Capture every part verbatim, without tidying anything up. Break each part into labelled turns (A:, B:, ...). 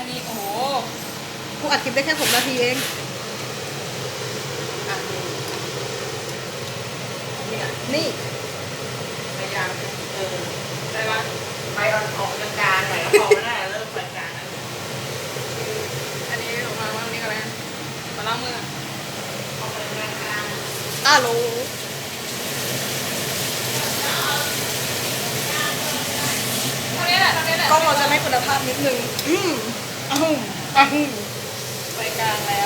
A: อันนี้โอ้โห
B: กูอัดคลิปได้แค่หกนาทีเองอ่ะนี่
C: พยายามเออ
A: อะไรวะ
C: ไปออนออกกลางๆหน่อยแล้วพอไม่ได้เริ่มไปกลางแล้ว
A: อันนี้ออกมาว่าอันนี้ก็อะไรนะมาล้างมือ
C: ออกไปกลาง
B: อ้าโหล
A: เท่านี้แหละเท่านี้แหละ
B: กล้องเราจะไม่คุณภาพนิดนึงอืมอ้าวอ้าว
A: ไปกลางแล้ว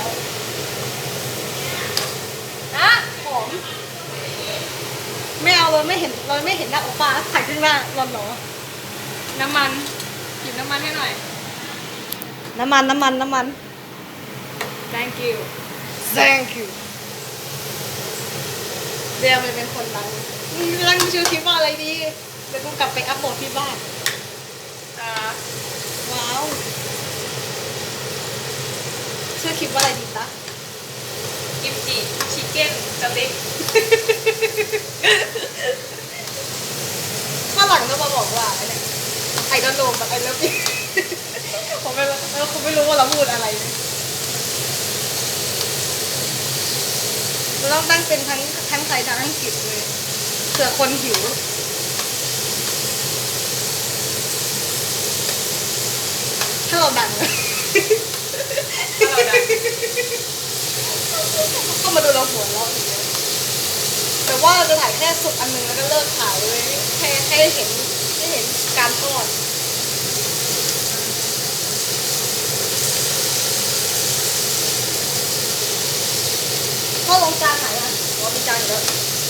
A: อะหอม
B: ไม่เอาเราไม่เห็นเราไม่เห็นหน้าโอป้าถ่ายขึ้นหน้าร้อนหรอ
A: น้ำมันหยิบน้ำมันให้หน่อย
B: น้ำมันน้ำมันน้ำมัน
A: thank you
B: thank you เดี๋ยวมันเป็นคนดังอืมรังชื่อคลิปว่าอะไรดีเดี๋ยวกูกลับไปอัพโหลดที่บ้าน
A: อ่า
B: ว้าวชื่อคลิปว่าอะไรดีจ๊ะ
A: กิมจิชิคเก้นสเต็ก
B: ฝรั่งก็มาบอกว่าเนี่ยไอ้ดอนโนแบบไอ้เลิฟ ผมไม่รู้แล้วคุณไม่รู้ว่าเราพูดอะไรนะเราต้องตั้งเป็นทั้งทั้งไทยทั้งอังกฤษเลยเผื่อคนหิว ถ้าเราดังเลย
A: ถ้าเราดัง
B: ก็มาดูเราหัวเราะอย่างเงี้ยแต่ว่าเราจะถ่ายแค่สุดอันหนึงแล้วก็เลิกถ่ายเลยแค่แค่ให้เห็นให้เห็นการทอดทอดลงจานไหนอ่ะอ๋อมีจานอยู่แล้ว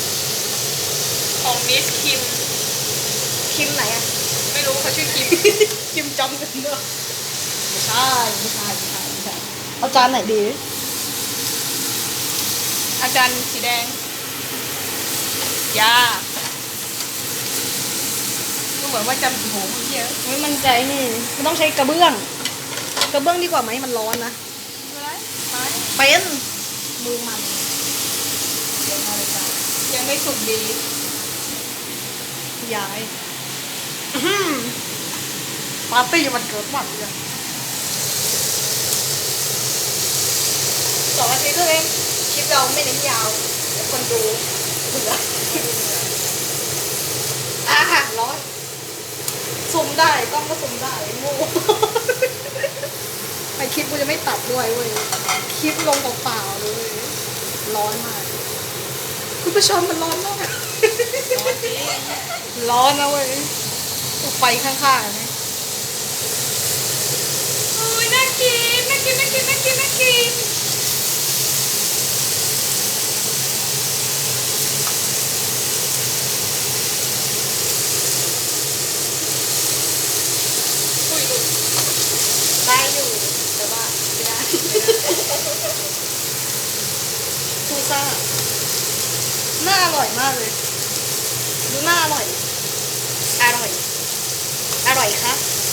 A: ของมิสคิม
B: คิมไหนอ่ะ
A: ไม่รู้เขาชื่อคิม
B: คิมจำเป็นเนอะไม่ใช่ไม่ใช่ไม่ใช่ไม่ใช่เอาจานไหนดี
A: อาจารย์สีแดงยาก็เหมือนว่าจะโอ้โหมันเยอะ
B: ไม่มั่นใจนี่มันต้องใช้กระเบื้อง กระเบื้องดีกว่าไหมมันร้อนนะ
A: อะไรไป
B: เป็นมือมัน
A: ยังไม่สุกดี
B: ย้ายอื้อหือปาร์ตี้มันเกิดวันเลยสองนาทีเท่านั้นเองคลิปเราไม่เน้นยาวเดี๋ยวคนดูเบื่ออาหารร้อนซูมได้กล้องก็ซูมได้โง่ ไอคลิปกูจะไม่ตัดด้วยเว้ยคลิปลงเปล่าๆเลยร้อนมากคุณผู้ชมมันร้อนมาก ร้อนนะเว้ยไฟข้างๆนะ
A: โอ้ยน่ากินน่ากินน่ากินน่ากินน่ากินอุ้ยหลุด
B: ได้อยู่แต่ว่าไม่ได้ซูซ่าน่าอร่อยมากเลยดูน่าอร่อยอร่อยอร่อยคะ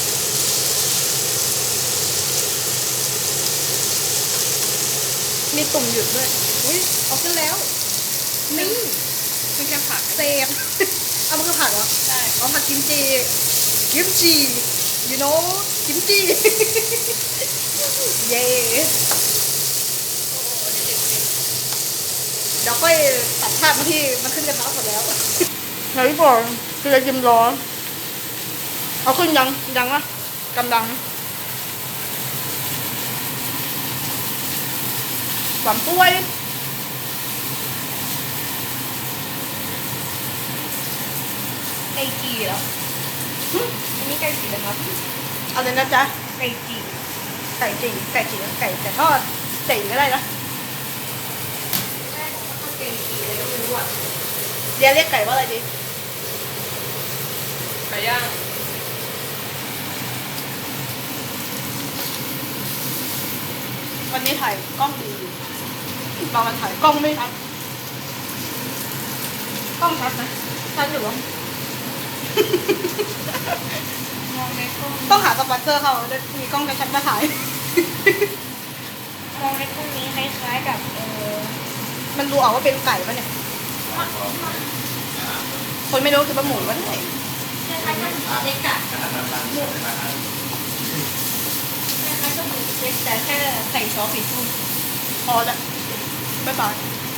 B: มีตุ่มหยุดด้วยอุ้ยเอาขึ้นแล้วนี่
A: มันแค่ผัก
B: เซฟ เอามันคือผักเหรอ
A: ใช่
B: เอาผักกิมจิกิมจิ you know กิมจิ เย้เดี๋ยวค่อยตัดภาพมาที่มันขึ้นกระทะหมดแล้วไหนบอกคือจะยิ้มร้อนเอาขึ้นยังยังวะกำลังหวานป่วย
C: ไก่จีเหรออันนี้ไก่จีนะครับ
B: เอาเลยนะจ๊ะ
C: ไก่จี
B: ไก่จีไก่จีไก่แต่ทอดจีก็ได้นะ
C: แม่บอกว่าต้องไก่จีอะไรก็ไม่รู้อ่ะ
B: เดี๋ยวเรียกไก่ว่าอะไรดี
A: ไก่ย่าง
B: วันนี้ถ่ายกล้องดีบางวันถ่ายกล้องไม่ชัดกล้องชัดนะชัดอยู่วะ
A: มองในกล้อง
B: ต้องหาสปอนเซอร์เขาจะมีกล้องชัดๆมาถ่าย
C: มองในพวกนี้คล้ายๆกับเออ
B: มันดูออกว่าเป็นไก่ปะเนี่ย คนไม่รู้คือเป็นหมูวะเนี่ย
C: คล้ายๆกับเล็กอะหมูคล้ายๆเล็กแต่แค่ใส่ซอสผิดสูตร
B: พอละบ๊ายบาย
C: บ